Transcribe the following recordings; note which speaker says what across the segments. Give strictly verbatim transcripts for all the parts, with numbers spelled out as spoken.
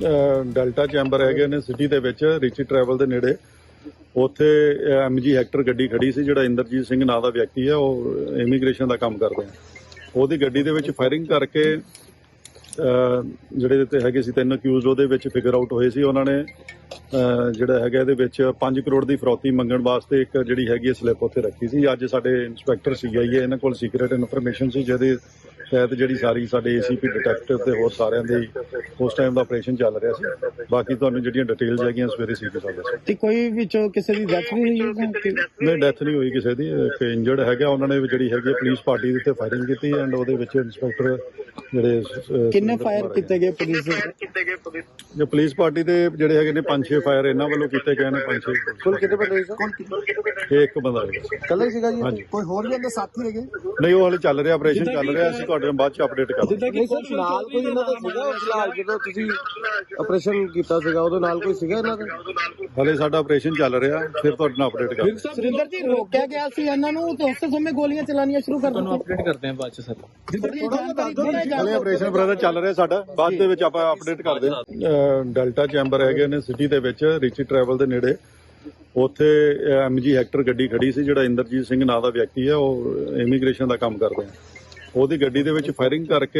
Speaker 1: Delta chamber ਹੈਗੇ ਨੇ city ਦੇ ਵਿੱਚ ਰਿਚੀ ਟਰੈਵਲ ਦੇ ਨੇੜੇ। ਉੱਥੇ ਐਮਜੀ ਹੈਕਟਰ ਗੱਡੀ ਖੜੀ ਸੀ, ਜਿਹੜਾ ਇੰਦਰਜੀਤ ਸਿੰਘ ਨਾਂ ਦਾ ਵਿਅਕਤੀ ਹੈ, ਉਹ ਇਮੀਗ੍ਰੇਸ਼ਨ ਦਾ ਕੰਮ ਕਰਦੇ ਆ। ਉਹਦੀ ਗੱਡੀ ਦੇ ਵਿੱਚ ਫਾਇਰਿੰਗ ਕਰਕੇ ਜਿਹੜੇ ਤੇ ਹੈਗੇ ਸੀ ਤਿੰਨ ਅਕਿਊਜ਼ ਉਹਦੇ ਵਿੱਚ ਫਿਗਰ ਆਊਟ ਹੋਏ ਸੀ। ਉਹਨਾਂ ਨੇ ਜਿਹੜਾ ਹੈਗਾ ਇਹਦੇ ਵਿੱਚ ਪੰਜ ਕਰੋੜ ਦੀ ਫਰੌਤੀ ਮੰਗਣ ਵਾਸਤੇ ਇੱਕ ਜਿਹੜੀ ਹੈਗੀ ਸਲਿੱਪ ਉੱਥੇ ਰੱਖੀ ਸੀ। ਅੱਜ ਸਾਡੇ ਇੰਸਪੈਕਟਰ ਸੀਆਈਏ ਇਹਨਾਂ ਕੋਲ ਸੀਕ੍ਰੇਟ ਇਨਫੋਰਮੇਸ਼ਨ ਸੀ, ਜਿਹਦੇ ਤਹਿਤ ਜਿਹੜੀ ਸਾਰੀ ਸਾਡੇ ਏਸੀਪੀ ਡਿਟੈਕਟਿਵ ਤੇ ਹੋਰ ਸਾਰਿਆਂ ਦੇ ਉਸ ਟਾਈਮ ਦਾ ਆਪਰੇਸ਼ਨ ਚੱਲ ਰਿਹਾ ਸੀ। ਬਾਕੀ ਤੁਹਾਨੂੰ ਜਿਹੜੀਆਂ ਡਿਟੇਲਸ ਹੈਗੀਆਂ ਸਵੇਰੇ ਸੀਪੀ ਸਾਹਿਬ ਦੱਸੋ।
Speaker 2: ਤੇ ਕੋਈ ਵਿੱਚੋਂ ਕਿਸੇ ਦੀ ਡੈਥ ਵੀ ਹੋਈ ਹੈ?
Speaker 1: ਨਹੀਂ, ਡੈਥ ਨਹੀਂ ਹੋਈ ਕਿਸੇ ਦੀ। ਇੱਕ ਇੰਜਰਡ ਹੈਗਾ, ਉਹਨਾਂ ਨੇ ਜਿਹੜੀ ਹੈਗੀ ਪੁਲਿਸ ਪਾਰਟੀ ਦੇ ਉੱਤੇ ਫਾਇਰਿੰਗ ਕੀਤੀ ਐਂਡ ਉਹਦੇ ਵਿੱਚ ਇੰਸਪੈਕਟਰ ਜਿਹੜੇ
Speaker 2: ਕਿੰਨੇ ਫਾਇਰ ਕੀਤੇ ਗਏ ਪੁਲਿਸ ਦੇ?
Speaker 1: ਜੋ ਪੁਲਿਸ ਪਾਰਟੀ ਦੇ ਜਿਹੜੇ ਹੈਗੇ ਨੇ ਪੰਜ ਛੇ ਫਾਇਰ ਇਹਨਾਂ ਵੱਲੋਂ ਕੀਤੇ ਗਏ ਨੇ। ਪੰਜ ਛੇ
Speaker 2: ਕੁੱਲ ਕਿੰਨੇ ਬੰਦੇ ਸੀ?
Speaker 1: ਇਹ ਇੱਕ ਬੰਦਾ ਹੈ।
Speaker 2: ਕੱਲਾ ਹੀ ਸੀਗਾ ਜੀ? ਕੋਈ ਹੋਰ ਵੀ ਅੰਦਰ ਸਾਥੀ ਹੈਗੇ?
Speaker 1: ਨਹੀਂ, ਉਹ ਹਾਲੇ ਚੱਲ ਰਿਹਾ, ਆਪਰੇਸ਼ਨ ਚੱਲ ਰਿਹਾ। ਅਸੀਂ ਤੁਹਾਡੇ ਨਾਲ ਬਾਅਦ ਚ ਅਪਡੇਟ ਕਰਾਂਗੇ।
Speaker 2: ਨਹੀਂ ਸਰ, ਨਾਲ ਕੋਈ ਇਹਨਾਂ ਦਾ ਸੀਗਾ ਫਿਲਹਾਲ ਜਦੋਂ ਤੁਸੀਂ ਆਪਰੇਸ਼ਨ ਕੀਤਾ ਸੀਗਾ ਉਦੋਂ ਨਾਲ ਕੋਈ ਸੀਗਾ ਇਹਨਾਂ ਦਾ?
Speaker 1: ਹਾਲੇ ਸਾਡਾ ਆਪਰੇਸ਼ਨ ਚੱਲ ਰਿਹਾ, ਫਿਰ ਤੁਹਾਡੇ ਨਾਲ ਅਪਡੇਟ ਕਰਾਂਗੇ।
Speaker 2: ਸੁਰਿੰਦਰ ਜੀ, ਰੋਕਿਆ ਗਿਆ ਸੀ ਇਹਨਾਂ ਨੂੰ ਤੇ ਉਸੇ ਸਮੇਂ ਗੋਲੀਆਂ ਚਲਾਉਣੀਆਂ ਸ਼ੁਰੂ ਕਰ ਦਿੱਤੀਆਂ।
Speaker 3: ਅਪਡੇਟ ਕਰਦੇ ਹਾਂ ਬਾਅਦ ਚ ਸਰ।
Speaker 1: ਹਾਲੇ ਆਪਰੇਸ਼ਨ ਬ੍ਰਦਰ ਚੱਲ ਰਿਹਾ ਸਾਡਾ, ਬਾਅਦ ਦੇ ਵਿੱਚ ਆਪਾਂ ਅਪਡੇਟ ਕਰਦੇ ਹਾਂ। ਡੈਲਟਾ ਚੈਂਬਰ ਹੈਗੇ ਨੇ ਸਿਟੀ ਦੇ ਵਿੱਚ ਰਿਚੀ ਟਰੈਵਲ ਦੇ ਨੇੜੇ। ਉੱਥੇ ਐਮਜੀ ਹੈਕਟਰ ਗੱਡੀ ਖੜੀ ਸੀ, ਜਿਹੜਾ ਇੰਦਰਜੀਤ ਸਿੰਘ ਨਾਂ ਦਾ ਵਿਅਕਤੀ ਹੈ, ਉਹ ਇਮੀਗ੍ਰੇਸ਼ਨ ਦਾ ਕੰਮ ਕਰਦੇ ਆ। ਉਹਦੀ ਗੱਡੀ ਦੇ ਵਿੱਚ ਫਾਇਰਿੰਗ ਕਰਕੇ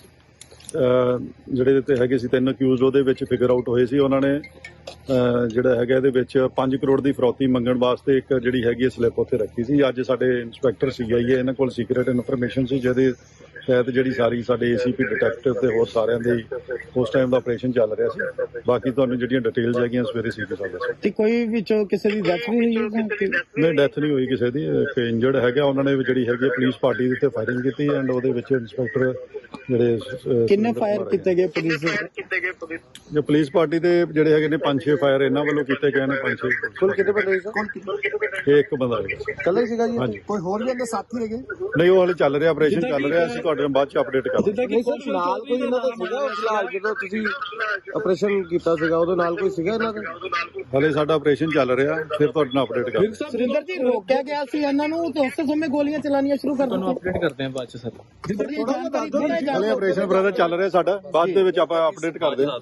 Speaker 1: ਜਿਹੜੇ ਤੇ ਹੈਗੇ ਸੀ ਤਿੰਨ ਅਕਿਊਜ਼ ਉਹਦੇ ਵਿੱਚ ਫਿਗਰ ਆਊਟ ਹੋਏ ਸੀ। ਉਹਨਾਂ ਨੇ ਜਿਹੜਾ ਹੈਗਾ ਇਹਦੇ ਵਿੱਚ ਪੰਜ ਕਰੋੜ ਦੀ ਫਰੌਤੀ ਮੰਗਣ ਵਾਸਤੇ ਇੱਕ ਜਿਹੜੀ ਹੈਗੀ ਸਲਿੱਪ ਉੱਥੇ ਰੱਖੀ ਸੀ। ਅੱਜ ਸਾਡੇ ਇੰਸਪੈਕਟਰ ਸੀਆਈਏ ਇਹਨਾਂ ਕੋਲ ਸੀਕ੍ਰੇਟ ਇਨਫੋਰਮੇਸ਼ਨ ਸੀ, ਜਿਹਦੇ ਤਹਿਤ ਜਿਹੜੀ ਸਾਰੀ ਸਾਡੇ ਏਸੀਪੀ ਡਿਟੈਕਟਿਵ ਤੇ ਹੋਰ ਸਾਰਿਆਂ ਦੇ ਉਸ ਟਾਈਮ ਦਾ ਆਪਰੇਸ਼ਨ ਚੱਲ ਰਿਹਾ ਸੀ। ਬਾਕੀ ਤੁਹਾਨੂੰ ਜਿਹੜੀਆਂ ਡਿਟੇਲਸ ਹੈਗੀਆਂ ਸਵੇਰੇ ਸੀਪੀ ਸਾਹਿਬ ਦੱਸੋ।
Speaker 2: ਤੇ ਕੋਈ ਵਿੱਚੋਂ ਕਿਸੇ ਦੀ ਡੈਥ ਵੀ ਹੋਈ ਹੈ?
Speaker 1: ਨਹੀਂ, ਡੈਥ ਨਹੀਂ ਹੋਈ ਕਿਸੇ ਦੀ। ਇੱਕ ਇੰਜਰਡ ਹੈਗਾ, ਉਹਨਾਂ ਨੇ ਜਿਹੜੀ ਹੈਗੀ ਪੁਲਿਸ ਪਾਰਟੀ ਦੇ ਉੱਤੇ ਫਾਇਰਿੰਗ ਕੀਤੀ ਐਂਡ ਉਹਦੇ ਵਿੱਚ ਇੰਸਪੈਕਟਰ ਜਿਹੜੇ
Speaker 2: ਕਿੰਨੇ ਫਾਇਰ ਕੀਤੇ ਗਏ ਪੁਲਿਸ ਦੇ?
Speaker 1: ਜੋ ਪੁਲਿਸ ਪਾਰਟੀ ਦੇ ਜਿਹੜੇ ਹੈਗੇ ਨੇ ਪੰਜ ਛੇ ਫਾਇਰ ਇਹਨਾਂ ਵੱਲੋਂ ਕੀਤੇ ਗਏ ਨੇ। ਪੰਜ ਛੇ
Speaker 2: ਕੁੱਲ ਕਿੰਨੇ ਬੰਦੇ ਸੀ?
Speaker 1: ਇਹ ਇੱਕ ਬੰਦਾ ਹੈ।
Speaker 2: ਕੱਲਾ ਹੀ ਸੀਗਾ ਜੀ? ਕੋਈ ਹੋਰ ਵੀ ਅੰਦਰ ਸਾਥੀ ਹੈਗੇ?
Speaker 1: ਨਹੀਂ, ਉਹ ਹਾਲੇ ਚੱਲ ਰਿਹਾ, ਆਪਰੇਸ਼ਨ ਚੱਲ ਰਿਹਾ। ਅਸੀਂ ਤੁਹਾਡੇ ਨਾਲ ਬਾਅਦ ਚ ਅਪਡੇਟ ਕਰਾਂਗੇ।
Speaker 2: ਨਹੀਂ ਸਰ, ਨਾਲ ਕੋਈ ਇਹਨਾਂ ਦਾ ਸੀਗਾ ਫਿਲਹਾਲ ਜਦੋਂ ਤੁਸੀਂ ਆਪਰੇਸ਼ਨ ਕੀਤਾ ਸੀਗਾ ਉਦੋਂ ਨਾਲ ਕੋਈ ਸੀਗਾ ਇਹਨਾਂ ਦਾ?
Speaker 1: ਹਾਲੇ ਸਾਡਾ ਆਪਰੇਸ਼ਨ ਚੱਲ ਰਿਹਾ, ਫਿਰ ਤੁਹਾਡੇ ਨਾਲ ਅਪਡੇਟ ਕਰਾਂਗੇ।
Speaker 2: ਸੁਰਿੰਦਰ ਜੀ, ਰੋਕਿਆ ਗਿਆ ਸੀ ਇਹਨਾਂ ਨੂੰ ਤੇ ਉਸੇ ਸਮੇਂ ਗੋਲੀਆਂ ਚਲਾਉਣੀਆਂ ਸ਼ੁਰੂ ਕਰ ਦਿੱਤੀਆਂ।
Speaker 3: ਅਪਡੇਟ ਕਰਦੇ ਹਾਂ ਬਾਅਦ ਚ ਸਰ।
Speaker 1: ਹਾਲੇ ਆਪਰੇਸ਼ਨ ਬ੍ਰਦਰ ਚੱਲ ਰਿਹਾ ਸਾਡਾ, ਬਾਅਦ ਦੇ ਵਿੱਚ ਆਪਾਂ ਅਪਡੇਟ ਕਰਦੇ ਹਾਂ।